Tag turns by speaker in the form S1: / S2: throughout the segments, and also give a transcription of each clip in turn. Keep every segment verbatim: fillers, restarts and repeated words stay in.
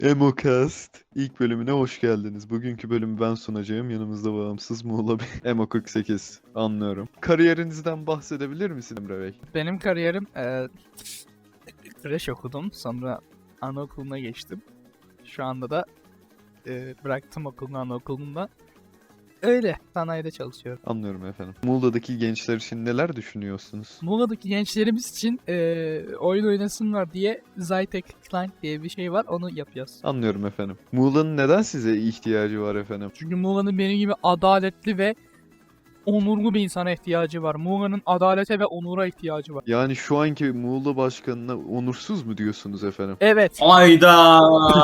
S1: Emocast ilk bölümüne hoş geldiniz. Bugünkü bölümü ben sunacağım. Yanımızda bağımsız Muğla bir Emo kırk sekiz. Anlıyorum. Kariyerinizden bahsedebilir misin Emre Bey?
S2: Benim kariyerim eee kreş okudum. Sonra anaokuluna geçtim. Şu anda da eee, bıraktım okulunu anaokulunda. Öyle sanayide çalışıyorum.
S1: Anlıyorum efendim. Muğla'daki gençler için neler düşünüyorsunuz?
S2: Muğla'daki gençlerimiz için eee, oyun oynasınlar diye Zytek Client diye bir şey var. Onu yapıyoruz.
S1: Anlıyorum efendim. Muğla'nın neden size ihtiyacı var efendim?
S2: Çünkü Muğla'nın benim gibi adaletli ve onurlu bir insana ihtiyacı var. Muğla'nın adalete ve onura ihtiyacı var.
S1: Yani şu anki Muğla başkanına onursuz mu diyorsunuz efendim?
S2: Evet.
S3: Ayda.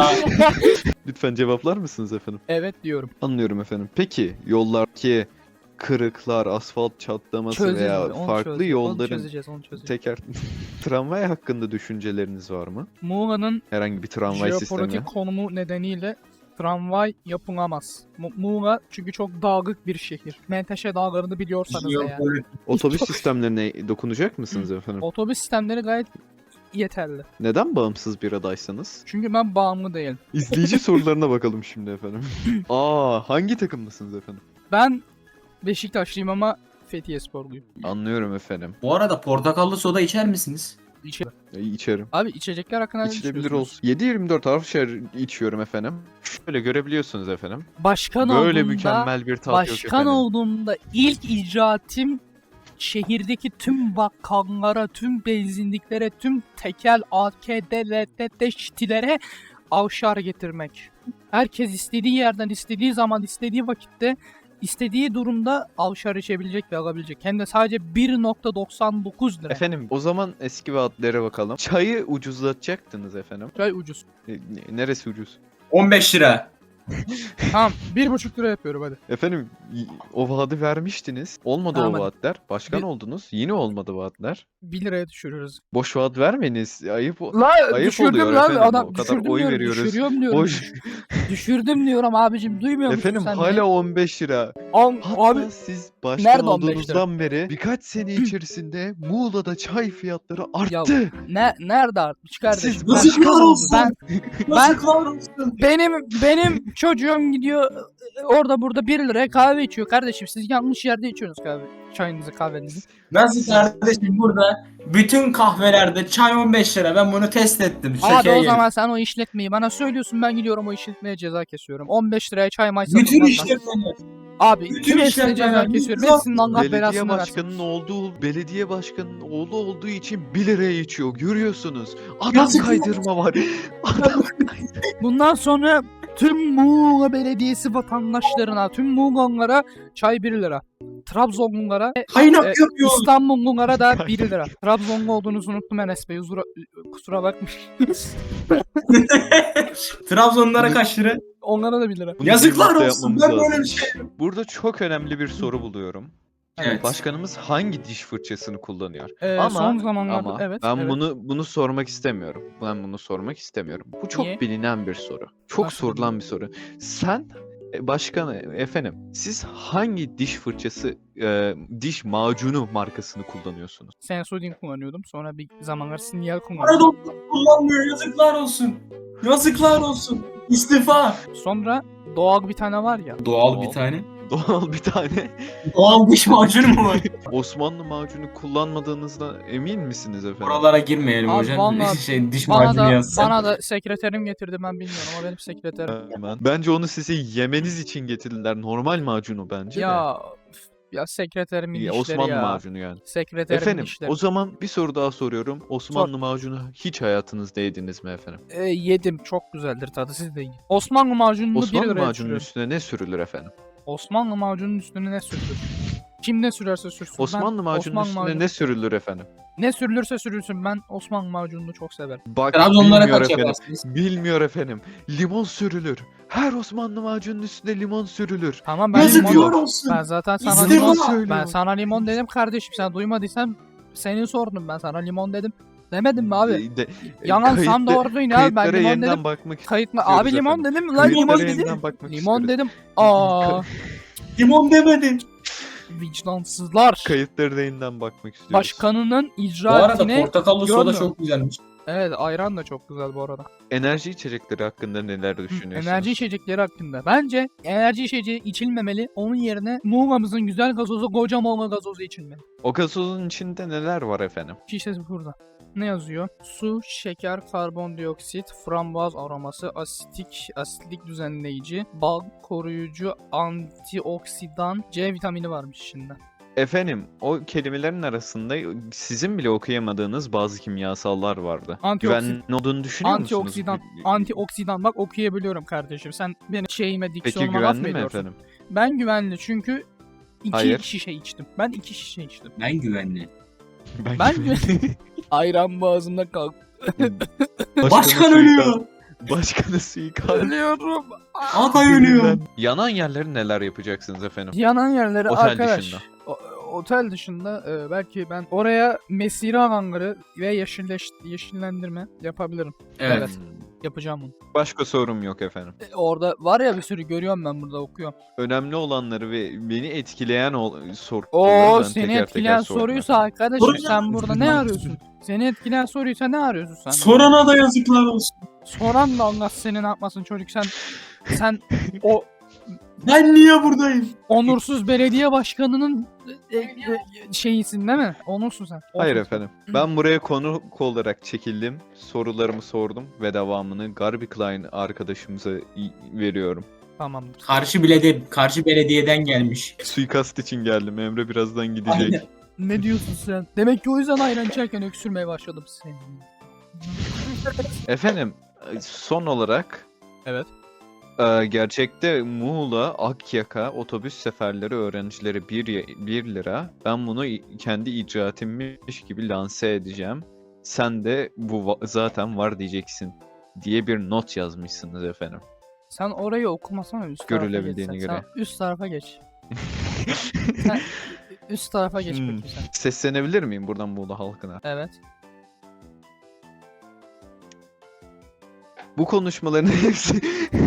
S1: Lütfen cevaplar mısınız efendim?
S2: Evet diyorum.
S1: Anlıyorum efendim. Peki yollardaki kırıklar, asfalt çatlaması
S2: Çözeceğiz
S1: veya
S2: onu, onu
S1: farklı
S2: çözeceğiz, Onu
S1: yolların
S2: çözeceğiz, onu çözeceğiz.
S1: teker tramvay hakkında düşünceleriniz var mı?
S2: Muğla'nın
S1: Herhangi bir tramvay sistemi.
S2: jeopolitik konumu nedeniyle tramvay yapılamaz. Mu- Muğla çünkü çok dağlık bir şehir. Menteşe dağlarını biliyorsanız eğer.
S1: Otobüs sistemlerine dokunacak mısınız efendim?
S2: Otobüs sistemleri gayet yeterli.
S1: Neden bağımsız bir adaysanız?
S2: Çünkü ben bağımlı değilim.
S1: İzleyici sorularına bakalım şimdi efendim. Aa, hangi takımlısınız efendim?
S2: Ben Beşiktaşlıyım ama Fethiye Sporluyum.
S1: Anlıyorum efendim.
S3: Bu arada portakallı soda içer misiniz?
S2: İçe-
S1: E, İçerim.
S2: Abi içecekler hakkında ne
S1: İçilebilir
S2: düşünüyorsunuz?
S1: olsun. yedi yirmi dört Avşar içiyorum efendim. Şöyle görebiliyorsunuz efendim.
S2: Başkan
S1: Böyle
S2: olduğumda,
S1: mükemmel bir tat yok
S2: başkan
S1: efendim.
S2: olduğumda ilk icraatim şehirdeki tüm bakkallara, tüm benzinliklere, tüm tekel, A K, D L T T, şitilere avşar getirmek. Herkes istediği yerden, istediği zaman, istediği vakitte, istediği durumda avşar içebilecek ve alabilecek. Hem de sadece bir nokta doksan dokuz lira.
S1: Efendim o zaman eski vaatlere bakalım. Çayı ucuzlatacaktınız efendim.
S2: Çay ucuz.
S1: E, ne- neresi ucuz?
S3: on beş lira.
S2: Tamam, bir buçuk lira yapıyorum hadi.
S1: Efendim y- o vaadi vermiştiniz. Olmadı
S2: Tamam,
S1: o
S2: hadi.
S1: vaatler. Başkan
S2: Bir-
S1: oldunuz. Yine olmadı vaatler.
S2: bir liraya düşürürüz.
S1: Boş vaat vermeyiniz. Ayıp o-
S2: La
S1: Ayıp
S2: düşürdüm
S1: oluyor
S2: lan
S1: efendim,
S2: adam.
S1: o kadar
S2: Düşürdüm
S1: oy
S2: diyorum,
S1: veriyoruz.
S2: düşürüyorum diyorum.
S1: Boş.
S2: Düşürdüm diyorum abicim, duymuyor musun
S1: Efendim
S2: sen
S1: hala
S2: beni?
S1: on beş lira.
S2: An-
S1: Hatta
S2: abi
S1: siz başkan
S2: nerede on beş lira?
S1: olduğunuzdan beri birkaç sene içerisinde Muğla'da çay fiyatları arttı.
S2: ne nerede artmış kardeşim?
S1: Siz
S2: Ben-
S1: başkan oldunuz.
S2: ben
S3: Yazıklar olsun.
S2: benim benim çocuğum gidiyor orada burada bir liraya kahve içiyor kardeşim. Siz yanlış yerde içiyorsunuz kahve. Çayınızı, kahvenizi.
S3: Nasıl kardeşim burada bütün kahvelerde çay on beş lira. Ben bunu test ettim.
S2: Hadi
S3: Şakaya
S2: o
S3: gelin.
S2: zaman sen o işletmeyi bana söylüyorsun, ben gidiyorum o işletmeye ceza kesiyorum. on beş liraya çay may
S3: Bütün
S2: satılmaz lan.
S3: işletmeler.
S2: Abi
S3: bütün
S2: bütün hepsine
S3: işletmeler,
S2: ceza kesiyorum.
S3: bütün-
S2: Hepsinin Allah
S1: Belediye
S2: belasını versin.
S1: başkanının olduğu, belediye başkanının oğlu olduğu için bir liraya içiyor. Görüyorsunuz. Adam
S3: Yazık.
S1: kaydırma var. Adam
S2: Bundan sonra tüm Muğla Belediyesi vatandaşlarına, tüm Muğla'lara çay bir lira. Trabzonlulara,
S3: Kaynak
S2: e,
S3: yapıyor.
S2: İstanbullulara da bir lira. Trabzonlu olduğunuzu unuttum Enes Bey. Kusura, kusura bakmayın.
S3: Trabzonlara kaç lira?
S2: Onlara da bir lira.
S1: Bunu
S3: Yazıklar
S1: birlikte
S3: olsun.
S1: yapmamız
S3: Ben
S1: lazım.
S3: böyle bir şey.
S1: Burada çok önemli bir soru buluyorum.
S3: Evet.
S1: Başkanımız hangi diş fırçasını kullanıyor?
S2: Ee,
S1: Ama-
S2: son zamanlarda
S1: Ama
S2: evet.
S1: ben
S2: evet.
S1: bunu bunu sormak istemiyorum. Ben bunu sormak istemiyorum. Bu çok
S2: Niye?
S1: bilinen bir soru. Çok
S2: Nasıl
S1: sorulan bir soru. Sen e, başkan e, efendim siz hangi diş fırçası e, diş macunu markasını kullanıyorsunuz?
S2: Sensodyne kullanıyordum. Sonra bir zamanlar sinyal
S3: Para
S2: kullanıyordum.
S3: doktor kullanmıyor. Yazıklar olsun. Yazıklar olsun. İstifa.
S2: Sonra doğal bir tane var ya.
S3: Doğal
S1: bir
S3: bir tane.
S1: Doğal bir tane
S3: Doğal diş macunu mu var?
S1: Osmanlı macunu kullanmadığınızda emin misiniz efendim?
S3: Buralara girmeyelim
S2: Abi
S3: hocam.
S2: vallahi
S3: şey diş
S2: Bana
S3: macunu
S2: da
S3: yazsın.
S2: bana da sekreterim getirdi, ben bilmiyorum ama benim sekreterim.
S1: Hemen. Bence onu size yemeniz için getirdiler. Normal macunu bence de.
S2: Ya ya sekreterimin
S1: Ya,
S2: işleri
S1: Osmanlı
S2: ya.
S1: macunu yani.
S2: Sekreterimin
S1: Efendim
S2: işleri.
S1: o zaman bir soru daha soruyorum. Osmanlı macunu hiç hayatınızda yediniz mi efendim?
S2: Ee, yedim, çok güzeldir tadı, siz de yiyin. Osmanlı macununu bir
S1: Osmanlı
S2: liraya
S1: macunun
S2: düşürüyorum.
S1: üstüne ne sürülür efendim?
S2: Osmanlı macunun üstüne ne sürülür? Kim ne sürerse sürsün. Ben
S1: Osmanlı macunun
S2: Osmanlı
S1: üstüne
S2: macunu-
S1: ne sürülür efendim?
S2: ne sürülürse sürülsün, ben Osmanlı macununu çok severim.
S1: Bak
S3: Trabzonlara
S1: bilmiyor
S3: kaç
S1: efendim.
S3: yaparsınız?
S1: Bilmiyor efendim. Limon sürülür. Her Osmanlı macunun üstüne limon sürülür.
S2: Tamam, ben
S1: Yazıklar
S2: limon,
S3: Yazıklar olsun.
S2: ben zaten sana
S3: İzle
S2: limon,
S3: bana.
S1: söylüyor.
S2: ben sana limon dedim kardeşim, sen duymadıysan senin sorunun, ben sana limon dedim. Demedim mi abi?
S1: E, de- e,
S2: Yalansam
S1: kayıtlı-
S2: doğru duyun abi, ben
S1: Kayıtlara
S2: limon
S1: yeniden
S2: dedim.
S1: bakmak
S2: Kayıt mı?
S1: istiyoruz
S2: Abi limon
S1: efendim.
S2: dedim lan,
S1: Kayıtlara
S2: limon
S1: yeniden
S2: dedim.
S1: bakmak
S2: Limon
S1: istiyoruz.
S2: dedim. Aa,
S3: Limon demedin.
S2: vicdansızlar.
S1: Kayıtlara da yeniden bakmak istiyoruz.
S2: Başkanının
S3: Bu arada
S2: icraatine
S3: portakallı soda
S2: görmüyorum.
S3: çok güzelmiş.
S2: Evet, ayran da çok güzel bu arada.
S1: Enerji içecekleri hakkında neler düşünüyorsunuz?
S2: Enerji içecekleri hakkında. Bence enerji içeceği içilmemeli. Onun yerine Muğla'mızın güzel gazozu koca Muğla gazozu içilmeli.
S1: O gazozun içinde neler var efendim?
S2: Şişesi burada. Ne yazıyor? Su, şeker, karbondioksit, frambuaz aroması, asitik, asitlik düzenleyici, bal koruyucu, antioksidan, C vitamini varmış içinde.
S1: Efendim, o kelimelerin arasında sizin bile okuyamadığınız bazı kimyasallar vardı.
S2: Antioksit-
S1: Güvenli olduğunu düşünüyor musunuz?
S2: Antioksidan, antioksidan bak okuyabiliyorum kardeşim. Sen benim şeyime,
S1: Peki
S2: diksiyonuma laf mı
S1: güvenli mi
S2: ediyorsun?
S1: efendim?
S2: Ben güvenli çünkü iki
S1: Hayır.
S2: şişe içtim. Ben iki şişe içtim.
S3: Ben güvenli.
S2: Ben güvenli. Ayran boğazımda kalktı.
S3: Başkan ölüyor.
S1: Başkanı suikast.
S2: Ölüyorum.
S3: Aday ölüyor.
S1: Yanan yerleri neler yapacaksınız efendim?
S2: Yanan yerleri
S1: Otel
S2: arkadaş.
S1: dışında.
S2: o- otel dışında e, belki ben oraya mesire hangarı ve yeşilleş, yeşillendirme yapabilirim.
S3: Evet.
S2: Evet. Yapacağım bunu.
S1: Başka sorum yok efendim.
S2: E, orada var ya bir sürü görüyorum ben burada okuyorum.
S1: Önemli olanları ve beni etkileyen o soruları
S2: Oo
S1: ben
S2: seni
S1: teker
S2: etkileyen
S1: teker sordum
S2: soruysa
S1: efendim.
S2: arkadaşım
S3: Sorun
S2: sen
S3: yok.
S2: burada ne arıyorsun? Seni etkileyen soruysa ne arıyorsun sen?
S3: Sorana da yazıklar olsun.
S2: Soran da Allah seni ne yapmasın çocuk sen sen o
S3: Ben niye buradayım?
S2: onursuz belediye başkanının e, e, şeyisin değil mi? Onursun sen.
S1: Hayır
S2: Onursun.
S1: efendim. Ben buraya konuk olarak çekildim. Sorularımı sordum ve devamını Garby Klein arkadaşımıza i- veriyorum.
S2: Tamamdır.
S3: Karşı belediye, karşı belediyeden gelmiş.
S1: Suikast için geldim. Emre birazdan gidecek.
S3: Aynen.
S2: Ne diyorsun sen? Demek ki o yüzden ayran içerken öksürmeye başladım seni.
S1: Efendim, son olarak
S2: Evet.
S1: e, gerçekte Muğla Akyaka otobüs seferleri öğrencileri bir lira. Ben bunu i- kendi icraatimmiş gibi lanse edeceğim. Sen de bu va- zaten var diyeceksin diye bir not yazmışsınız efendim.
S2: Sen orayı okumasana üst tarafa geç.
S1: Görülebildiğine
S2: sen.
S1: göre.
S2: Sen üst tarafa geç. Sen üst tarafa geç
S1: Hmm.
S2: bakayım sen.
S1: Seslenebilir miyim buradan Muğla halkına?
S2: Evet.
S1: Bu konuşmaların hepsi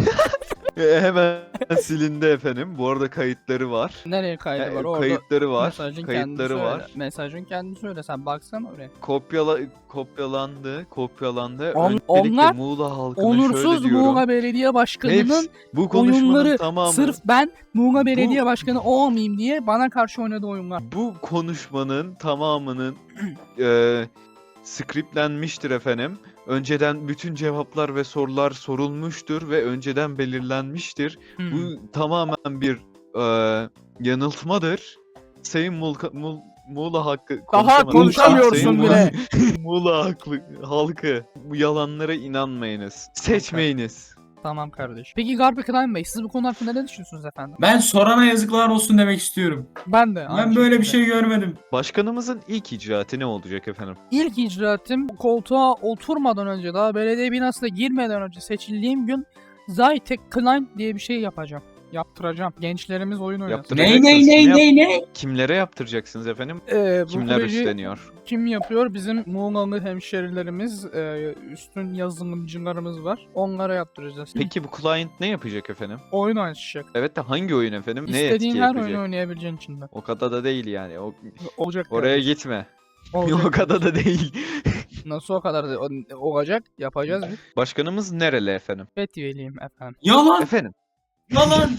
S1: E, hemen silindi efendim. Bu arada kayıtları var.
S2: Nereye kaydı
S1: E,
S2: var? Orada
S1: kayıtları var.
S2: mesajın kendisi
S1: Kayıtları
S2: öyle.
S1: var.
S2: Mesajın kendisi öyle. Sen baksana oraya.
S1: Kopyala kopyalandı, kopyalandı.
S2: On-
S1: Öncelikle
S2: onlar
S1: Muğla halkına
S2: Onursuz
S1: şöyle diyorum.
S2: Muğla Belediye Başkanı'nın
S1: Hepsi- bu konuşmanın
S2: oyunları
S1: tamamı
S2: sırf ben Muğla
S1: Bu-
S2: Belediye Başkanı olmayayım diye bana karşı oynadığı oyunlar.
S1: bu konuşmanın tamamının e, skriplenmiştir efendim. Önceden bütün cevaplar ve sorular sorulmuştur ve önceden belirlenmiştir.
S2: Hmm.
S1: Bu tamamen bir e, yanıltmadır. Sayın Mulka, Mul, Muğla hakkı
S2: Daha
S1: konuşamadım.
S2: konuşamıyorsun
S1: Sayın
S2: bile.
S1: Muğla- Muğla haklı, halkı bu yalanlara inanmayınız. Seçmeyiniz.
S2: Tamam kardeşim. Peki Garby Klein Bey siz bu konu hakkında ne düşünüyorsunuz efendim?
S3: Ben sorana yazıklar olsun demek istiyorum.
S2: Ben de.
S3: Ben
S2: aynı
S3: böyle bir
S2: şekilde.
S3: şey görmedim.
S1: Başkanımızın ilk icraatı ne olacak efendim?
S2: İlk icraatim koltuğa oturmadan önce daha belediye binasına girmeden önce seçildiğim gün Zytek Klein diye bir şey yapacağım. Yaptıracağım. Gençlerimiz oyun oynasın.
S1: Yaptır-
S3: Ney ney ney ney ney?
S1: Kimlere yaptıracaksınız efendim?
S2: Ee, bu
S1: Kimler
S2: projeyi
S1: üstleniyor?
S2: kim yapıyor? Bizim Muğla'lı hemşerilerimiz, e, üstün yazılımcılarımız var. Onlara yaptıracağız.
S1: Peki bu client ne yapacak efendim?
S2: Oyun oynayacak.
S1: Evet de hangi oyun efendim? Ne etki
S2: İstediğin her
S1: yapacak?
S2: oyunu oynayabileceğin içinde.
S1: O kadar da değil yani. O,
S2: Olacak.
S1: oraya
S2: kardeşim.
S1: gitme.
S2: Olacak.
S1: O kadar da değil.
S2: Nasıl o kadar da o- olacak? Yapacağız biz.
S1: Başkanımız nereli efendim?
S2: Fethiye'liyim efendim.
S3: Yalan
S1: Efendim
S3: yalan.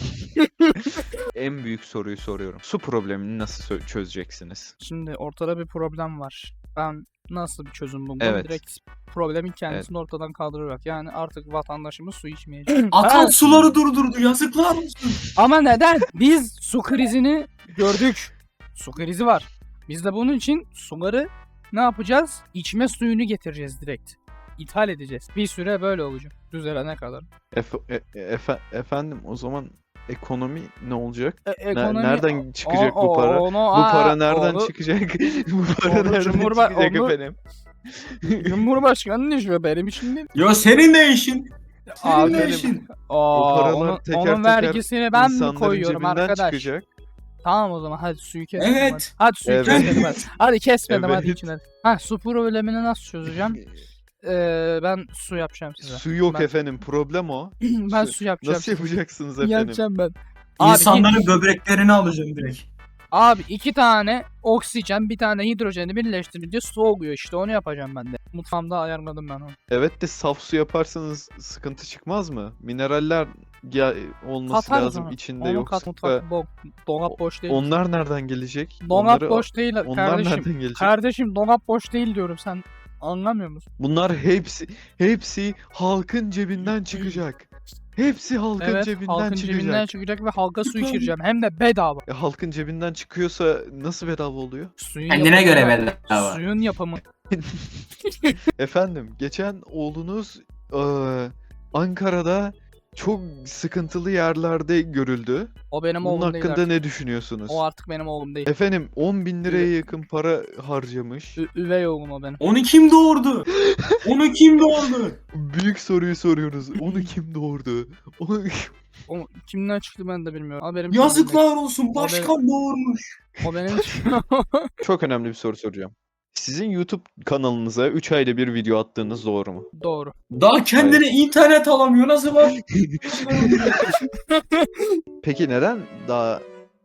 S1: en büyük soruyu soruyorum. Su problemini nasıl sö- çözeceksiniz?
S2: Şimdi ortada bir problem var. Ben nasıl bir çözüm buldum?
S1: Evet.
S2: Direkt problemin kendisini ortadan kaldırarak. Yani artık vatandaşımız su içmeyecek.
S3: Akan
S2: Ha,
S3: suları durdurdu yazıklar olsun.
S2: ama neden? Biz su krizini gördük. Su krizi var. Biz de bunun için suları ne yapacağız? İçme suyunu getireceğiz direkt. İthal edeceğiz. Bir süre böyle olacak. Düzelene kadar.
S1: Efe- e- efe- efendim o zaman ekonomi ne olacak?
S2: E,
S1: Ne-
S2: ekonomi...
S1: nereden çıkacak
S2: O-
S1: bu para?
S2: onu-
S1: Bu
S2: aa,
S1: para nereden
S2: onu-
S1: çıkacak? Bu para
S2: onu
S1: nereden
S2: Cumhurba-
S1: çıkacak
S2: onu-
S1: efendim?
S2: Cumhurbaşkanının işi benim için değil.
S3: Yo senin ne işin? Senin
S2: Abi
S3: ne
S2: benim-
S3: işin?
S2: Aa,
S1: paralar
S2: onun,
S1: teker
S2: onun
S1: teker
S2: vergisini ben mi
S1: İnsanların
S2: koyuyorum
S1: cebinden
S2: arkadaş?
S1: çıkacak.
S2: Tamam o zaman hadi suyu kesmedim
S3: Evet.
S2: hadi. Hadi suyu
S1: Evet.
S2: kesmedim hadi. Hadi kesmedim hadi
S1: Evet.
S2: için hadi. Ha su problemini nasıl çözeceğim? Ee, ben su yapacağım size.
S1: Su yok
S2: Ben-
S1: efendim problem o.
S2: ben
S1: su-
S2: su yapacağım.
S1: Nasıl
S2: size.
S1: yapacaksınız efendim?
S2: Yapacağım ben. Abi,
S3: İnsanların böbreklerini alacağım direkt.
S2: Abi iki tane oksijen bir tane hidrojeni birleştirince su oluyor işte onu yapacağım ben de. Mutfağımda ayarladım ben onu.
S1: Evet de saf su yaparsanız sıkıntı çıkmaz mı? Mineraller ya, olması
S2: Katarız
S1: lazım
S2: onu.
S1: içinde
S2: Onu
S1: yoksa
S2: kat mutfak bo dolap boş değil.
S1: onlar nereden gelecek?
S2: Dolap
S1: Onları-
S2: boş değil
S1: Onlar
S2: kardeşim.
S1: nereden gelecek?
S2: Kardeşim dolap boş değil diyorum sen anlamıyor musun?
S1: Bunlar hepsi hepsi halkın cebinden çıkacak. Hepsi halkın
S2: Evet
S1: cebinden
S2: halkın
S1: çıkacak.
S2: cebinden çıkacak ve halka su
S3: Lütfen.
S2: içireceğim hem de bedava.
S1: E, halkın cebinden çıkıyorsa nasıl bedava oluyor?
S2: Suyun
S3: Kendine göre
S2: yapımı-
S3: bedava.
S2: Suyun yapımı.
S1: Efendim geçen oğlunuz eee, Ankara'da çok sıkıntılı yerlerde görüldü.
S2: O benim
S1: Bunun
S2: oğlum değil
S1: hakkında
S2: artık.
S1: ne düşünüyorsunuz?
S2: O artık benim oğlum değil.
S1: Efendim on bin liraya yakın para harcamış.
S2: Ü- üvey oğlum o benim.
S3: Onu kim doğurdu? Onu kim doğurdu?
S1: Büyük soruyu soruyoruz. Onu kim doğurdu? Onu...
S2: O kimden çıktı ben de bilmiyorum. Haberim yok.
S3: Yazıklar olsun başkan doğurmuş.
S2: O benim
S1: Çok önemli bir soru soracağım. Sizin YouTube kanalınıza üç ayda bir video attığınız doğru mu?
S2: doğru.
S3: Daha kendine internet alamıyor nasıl var?
S1: Peki neden daha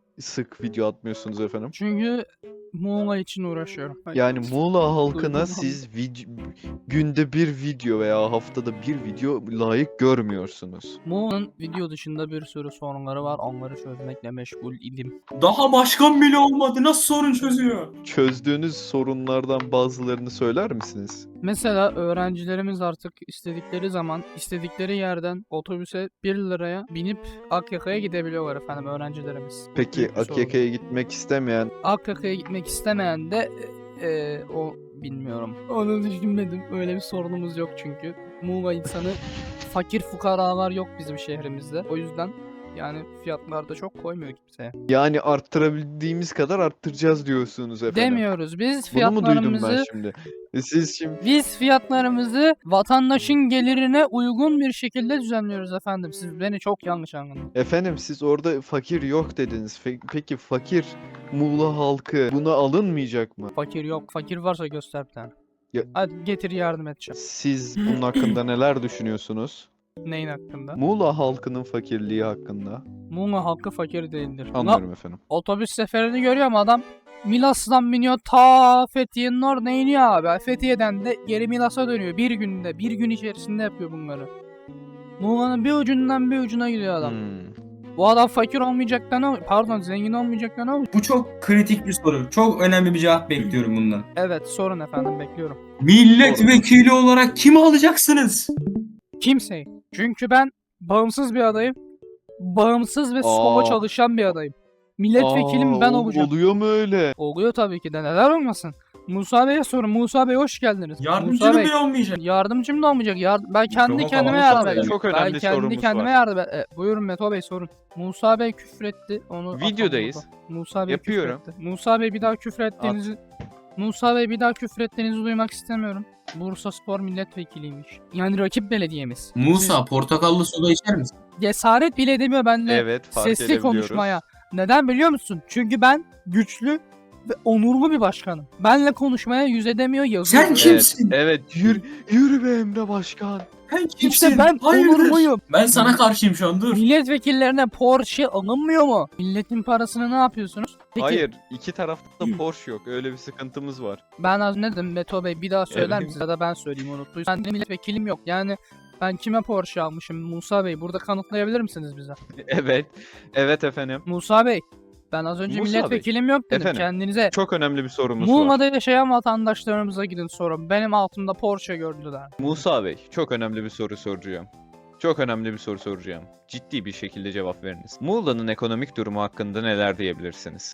S1: sık video atmıyorsunuz efendim?
S2: Çünkü Muğla için uğraşıyorum.
S1: Yani Muğla halkına
S2: Duydum.
S1: siz vid- günde bir video veya haftada bir video layık görmüyorsunuz.
S2: Muğla'nın video dışında bir sürü sorunları var. Onları çözmekle meşgul idim.
S3: Daha başkan bile olmadı nasıl sorun çözüyor?
S1: Çözdüğünüz sorunlardan bazılarını söyler misiniz?
S2: Mesela öğrencilerimiz artık istedikleri zaman istedikleri yerden otobüse bir liraya binip Akyaka'ya gidebiliyorlar efendim öğrencilerimiz.
S1: Peki
S2: Büyük bir sorun.
S1: Akyaka'ya gitmek istemeyen
S2: Akyaka'ya gitmek istemeyen de e, e, o bilmiyorum. Onu düşünmedim. Öyle bir sorunumuz yok çünkü. Muğla insanı fakir fukaralar yok bizim şehrimizde. O yüzden yani fiyatlarda çok koymuyor kimseye.
S1: yani arttırabildiğimiz kadar arttıracağız diyorsunuz efendim.
S2: Demiyoruz. Biz
S1: Bunu mu duydum ben
S2: fiyatlarımızı
S1: şimdi? E Siz şimdi
S2: biz fiyatlarımızı vatandaşın gelirine uygun bir şekilde düzenliyoruz efendim. Siz beni çok yanlış anladınız.
S1: efendim siz orada fakir yok dediniz. Fe- Peki fakir Muğla halkı buna alınmayacak mı?
S2: Fakir yok. Fakir varsa göster bir tane.
S1: Ya-
S2: Hadi getir yardım edeceğim.
S1: Siz bunun hakkında neler düşünüyorsunuz?
S2: Neyin hakkında?
S1: Muğla halkının fakirliği hakkında.
S2: Muğla halkı fakir değildir. Ulan
S1: Anlıyorum efendim.
S2: otobüs seferini görüyorum adam. Milas'tan biniyor ta Fethiye'nin orada iniyor abi. Fethiye'den de geri Milas'a dönüyor. Bir günde, bir gün içerisinde yapıyor bunları. Muğla'nın bir ucundan bir ucuna gidiyor adam.
S1: Hmm.
S2: Bu adam fakir olmayacak da ne olur? Pardon zengin olmayacak da ne olur?
S3: Bu çok kritik bir soru. Çok önemli bir cevap bekliyorum bundan.
S2: Evet sorun efendim bekliyorum.
S3: Milletvekili olarak kimi alacaksınız?
S2: Kimseyi. Çünkü ben bağımsız bir adayım. Bağımsız ve solo
S1: Aa.
S2: çalışan bir adayım. Milletvekilim
S1: Aa,
S2: ben
S1: ol-
S2: olacağım.
S1: Oluyor mu öyle?
S2: Oluyor tabii ki de neden olmasın. Musa Bey'e sorun. Musa Bey hoş geldiniz.
S3: Yardımcı
S2: Musa Bey,
S3: bile olmayacak.
S2: Yardımcım da olmayacak. Yar- ben kendi
S3: Mikrofon
S2: kendime
S3: falan
S2: yardım
S3: Musa Bey,
S2: edeceğim.
S1: çok
S2: Ben
S1: önemli
S2: kendi
S1: sorumuz
S2: kendime
S1: var.
S2: yardım e, Buyurun Meto Bey sorun. Musa Bey küfretti. Onu atalım
S1: Videodayız.
S2: burada. Musa Bey
S1: Yapıyorum.
S2: küfretti. Musa Bey bir daha küfrettiğinizi Musa Bey bir daha küfrettiğinizi duymak istemiyorum. Bursa Spor milletvekiliymiş. Yani rakip belediyemiz.
S3: Musa portakallı soda içer misin?
S2: Cesaret bile edemiyor benimle
S1: Evet fark
S2: sesli
S1: edebiliyoruz.
S2: konuşmaya. Neden biliyor musun? Çünkü ben güçlü ve onurlu bir başkanım. Benle konuşmaya yüz edemiyor yazıyor.
S3: Sen kimsin?
S1: Evet, evet yürü, yürü be Emre Başkan.
S3: Sen kimsin?
S2: İşte ben
S3: Hayırdır?
S2: onurluyum.
S3: Ben sana karşıyım şu an dur.
S2: Milletvekillerine Porsche alınmıyor mu? Milletin parasını ne yapıyorsunuz? Peki,
S1: Hayır iki tarafta da Porsche yok öyle bir sıkıntımız var.
S2: ben az ne dedim Meto Bey bir daha söyler
S1: Evet.
S2: misiniz? Ya da ben söyleyeyim unuttuysan. Ben milletvekilim yok. Yani ben kime Porsche almışım? Musa Bey burada kanıtlayabilir misiniz bize?
S1: Evet evet efendim.
S2: Musa Bey ben az önce
S1: Musa Bey,
S2: milletvekilim yok dedim.
S1: efendim,
S2: Kendinize
S1: Çok önemli bir sorumuz var.
S2: Muğla'da yaşayan vatandaşlarımıza gidin sorun. Benim altımda Porsche gördüler.
S1: Musa Bey çok önemli bir soru soracağım. Çok önemli bir soru soracağım. Ciddi bir şekilde cevap veriniz. Muğla'nın ekonomik durumu hakkında neler diyebilirsiniz?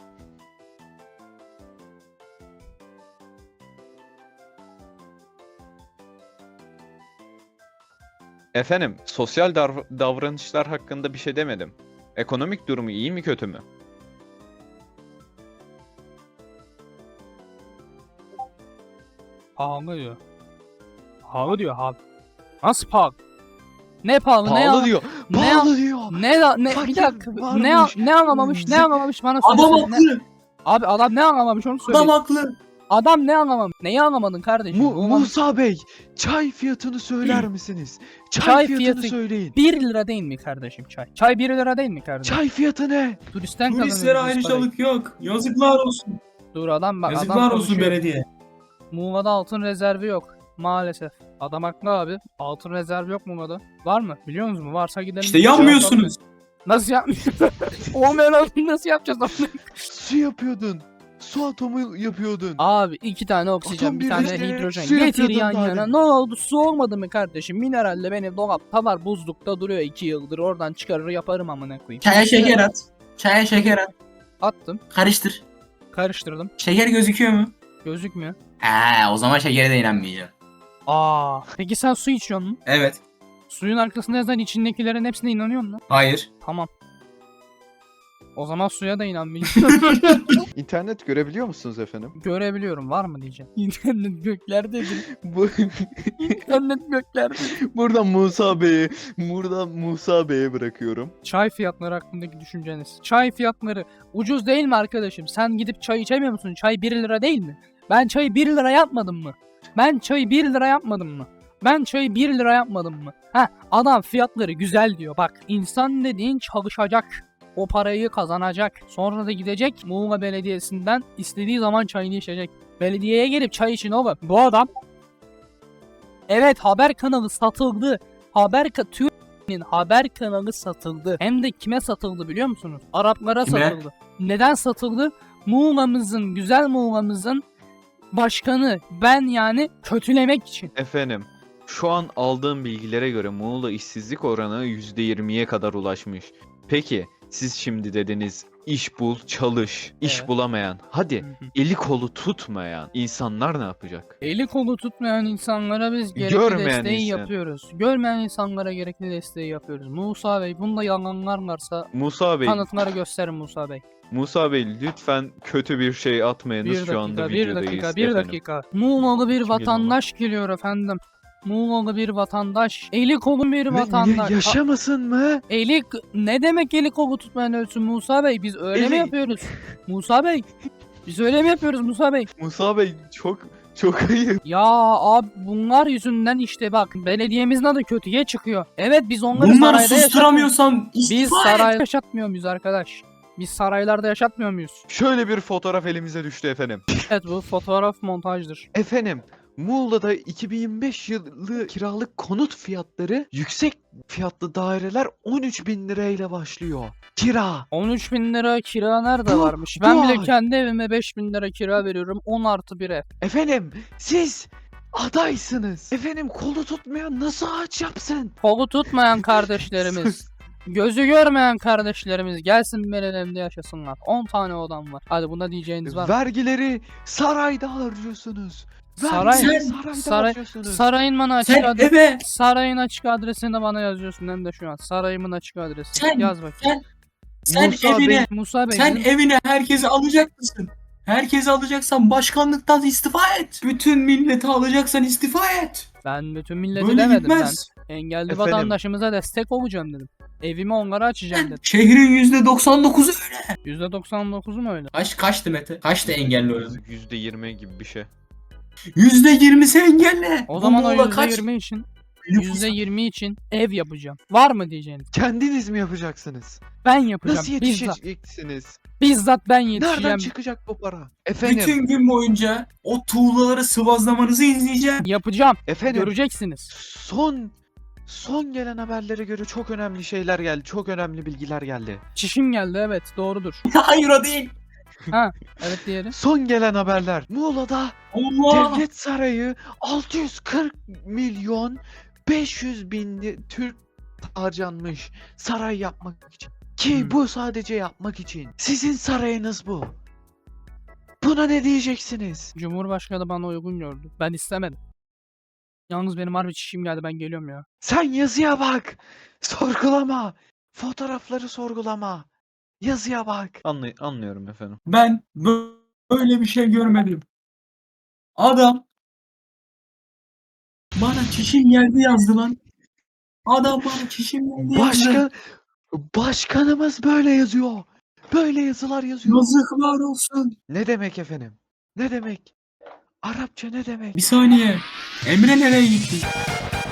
S1: Efendim, sosyal dav- davranışlar hakkında bir şey demedim. Ekonomik durumu iyi mi kötü mü?
S2: Pahalı diyor. Pahalı diyor abi. Nasıl pahalı? Ne pahalı, ne
S1: Pahalı
S2: yalan-
S1: diyor.
S2: ne
S1: Pahalı diyor.
S2: Ne ne, ne bir
S1: Fakir
S2: dakika
S1: varmış.
S2: ne ne anlamamış ne
S1: Zek-
S2: anlamamış bana
S3: Adam
S2: söylesene. Ne-
S3: haklı.
S2: Abi adam ne anlamamış onu söyle.
S3: Adam haklı.
S2: Adam ne anlamam? Neyi anlamadın kardeşim?
S1: Mu-
S2: Bu
S1: Musa Bey, çay fiyatını söyler misiniz? Çay,
S2: Çay
S1: fiyatını
S2: fiyatı-
S1: söyleyin.
S2: bir lira değil mi kardeşim çay? Çay bir lira değil mi kardeşim?
S1: Çay fiyatı ne?
S2: Turistten
S3: Turistlere
S2: kazanıyoruz biz parayı.
S3: ayrıcalık yok. Yazıklar olsun.
S2: Dur adam bak
S3: Yazıklar
S2: adam
S3: olsun
S2: konuşuyor.
S3: belediye.
S2: Muğla'da altın rezervi yok. Maalesef. Adam haklı abi. Altın rezervi yok Muğla'da. Var mı? Biliyor musunuz? Varsa gidelim.
S3: İşte yanmıyorsunuz.
S2: Nasıl yapmıyorsun? Olmayan altın nasıl yapacağız onu?
S1: Su yapıyordun. Su atomu yapıyordun.
S2: Abi iki tane oksijen,
S1: Atom
S2: bir tane
S1: birleştirerek
S2: hidrojen.
S1: su
S2: Getir
S1: yapıyordun
S2: yan
S1: daha
S2: yana.
S1: demin.
S2: Ne oldu? Su olmadı mı kardeşim? Mineralle benim dolapta var. Buzlukta duruyor iki yıldır. Oradan çıkarır yaparım amına koyayım.
S3: Çaya şeker at. Çaya şeker at.
S2: Attım.
S3: Karıştır.
S2: Karıştırdım.
S3: Şeker gözüküyor mu?
S2: Gözükmüyor.
S3: He, o zaman şekere de inanmayacağım.
S2: Aa. Peki sen su içiyor musun?
S3: Evet.
S2: Suyun arkasında yazan içindekilerin hepsine inanıyor musun?
S3: Hayır.
S2: Tamam. O zaman suya da inanmayacağım.
S1: İnternet görebiliyor musunuz efendim?
S2: Görebiliyorum. Var mı diyeceğim. İnternet göklerdedir.
S1: Bu
S2: İnternet göklerdedir.
S1: buradan Musa Bey'e, buradan Musa Bey'e bırakıyorum.
S2: Çay fiyatları hakkındaki düşünceniz. Çay fiyatları ucuz değil mi arkadaşım? Sen gidip çay içemiyor musun? Çay bir lira değil mi? Ben çayı bir lira yapmadım mı? Ben çayı bir lira yapmadım mı? Ben çayı bir lira yapmadım mı? Ha, adam fiyatları güzel diyor. Bak, insan dediğin çalışacak. O parayı kazanacak. Sonra da gidecek Muğla Belediyesi'nden istediği zaman çayını içecek. Belediyeye gelip çay için oğlum. Bu adam evet, haber kanalı satıldı. Haber ka Türkiye'nin haber kanalı satıldı. Hem de kime satıldı biliyor musunuz? Araplara
S3: Kime?
S2: satıldı. Neden satıldı? Muğla'mızın, güzel Muğla'mızın başkanı ben yani kötülemek için.
S1: Efendim, şu an aldığım bilgilere göre Muğla işsizlik oranı yüzde yirmiye kadar ulaşmış. Peki, siz şimdi dediniz iş bul, çalış, iş
S2: Evet.
S1: bulamayan, hadi
S2: Hı hı.
S1: eli kolu tutmayan insanlar ne yapacak?
S2: Eli kolu tutmayan insanlara biz gerekli
S1: Görmeyen
S2: desteği
S1: insan.
S2: yapıyoruz. Görmeyen insanlara gerekli desteği yapıyoruz. Musa Bey, bunda yalanlar varsa
S1: Musa Bey,
S2: kanıtları gösterin Musa Bey.
S1: Musa Bey lütfen kötü bir şey atmayınız
S2: Bir
S1: şu anda
S2: dakika, bir
S1: videodayız
S2: dakika, bir
S1: efendim.
S2: dakika. Muğla'lı bir
S1: Kim
S2: vatandaş geliyor efendim. Muğla'lı bir vatandaş. Eli kolu bir
S1: Ne-
S2: vatandaş.
S1: ya- yaşamasın mı?
S2: Eli ne demek eli kolu tutmayan ölsün Musa Bey? Biz öyle mi
S1: Eli-
S2: yapıyoruz? Musa Bey. Biz öyle mi yapıyoruz Musa Bey?
S1: Musa Bey çok çok ayıp.
S2: Ya abi bunlar yüzünden işte bak belediyemizin adı kötüye çıkıyor. Evet biz onları
S3: Bunları
S2: sarayda yaşatmıyoruz.
S3: susturamıyorsam
S2: Biz
S3: istifa et.
S2: sarayda yaşatmıyor muyuz arkadaş? Biz saraylarda yaşatmıyor muyuz?
S1: Şöyle bir fotoğraf elimize düştü efendim.
S2: Evet bu fotoğraf montajdır.
S1: Efendim, Muğla'da iki bin yirmi beş yılı kiralık konut fiyatları yüksek fiyatlı daireler on üç bin lirayla başlıyor. Kira.
S2: on üç bin lira kira nerede
S1: Bu-
S2: varmış?
S1: bu
S2: Ben bile
S1: ay.
S2: kendi evime beş bin lira kira veriyorum. on artı bir ev.
S1: Efendim, siz adaysınız. Efendim, kolu tutmayan nasıl ağaç yapsın?
S2: Kolu tutmayan kardeşlerimiz. Gözü görmeyen kardeşlerimiz gelsin benim evimde yaşasınlar. on tane odam var. Hadi buna diyeceğiniz var mı?
S1: Vergileri sarayda harcıyorsunuz.
S2: Saray-
S1: Vergileri
S3: Sen-
S1: sarayda
S2: saray-
S1: harcıyorsunuz.
S2: Sarayın bana açık
S3: Sen
S2: adresi.
S3: eve
S2: Sarayın açık adresini bana yazıyorsun hem de şu an. Sarayımın açık adresi.
S3: Sen-
S2: Yaz bakayım.
S3: sen
S1: Musa
S3: evine
S1: Bey-
S2: Musa Bey.
S3: sen
S2: bizim-
S3: evine herkesi alacak mısın? Herkesi alacaksan başkanlıktan istifa et. Bütün milleti alacaksan istifa et.
S2: Ben bütün milleti
S3: Böyle
S2: demedim
S3: gitmez.
S2: ben. Engelli
S1: Efendim?
S2: vatandaşımıza destek olacağım dedim. Evimi onlara açacağım dedim.
S3: Şehrin yüzde doksan dokuzu öyle.
S2: yüzde doksan dokuzu mu öyle?
S3: Kaç kaçtı Mete? Kaçtı engelli oranı?
S1: yüzde yirmi gibi bir şey.
S3: yüzde yirmisi engelli.
S2: O zaman o
S3: Muğla
S2: yüzde
S3: kaç
S2: yirmi için
S3: nüfus-
S2: yüzde yirmi için ev yapacağım. Var mı diyeceğiniz?
S1: Kendiniz mi yapacaksınız?
S2: Ben yapacağım.
S1: Nasıl
S2: bizzat.
S1: yetişeceksiniz?
S2: Bizzat ben
S1: Nereden
S2: yetişeceğim.
S1: çıkacak bu para? Efendim,
S3: Bütün gün boyunca o tuğlaları sıvazlamanızı izleyeceğim.
S2: Yapacağım.
S1: efendim.
S2: Göreceksiniz.
S1: Son son gelen haberlere göre çok önemli şeyler geldi. Çok önemli bilgiler geldi.
S2: Çişim geldi evet doğrudur.
S3: Hayır o değil.
S2: Evet diğeri.
S1: Son gelen haberler. Muğla'da
S3: Allah.
S1: devlet sarayı altı yüz kırk milyon beş yüz bin li- Türk harcanmış saray yapmak için. Ki
S2: Hmm.
S1: bu sadece yapmak için. Sizin sarayınız bu. Buna ne diyeceksiniz?
S2: Cumhurbaşkanı bana uygun gördü. Ben istemedim. Yalnız benim harbi çişim geldi ben geliyorum ya.
S1: Sen yazıya bak. Sorgulama. Fotoğrafları sorgulama. Yazıya bak. Anlay anlıyorum efendim.
S3: Ben bö- böyle bir şey görmedim. Adam bana çişim geldi yazdı lan. Adam bana çişim geldi yazdı.
S1: Başkan başkanımız böyle yazıyor. Böyle yazılar yazıyor.
S3: Yazıklar olsun.
S1: Ne demek efendim? Ne demek? Arapça ne demek?
S3: Bir saniye. Emre nereye gitti?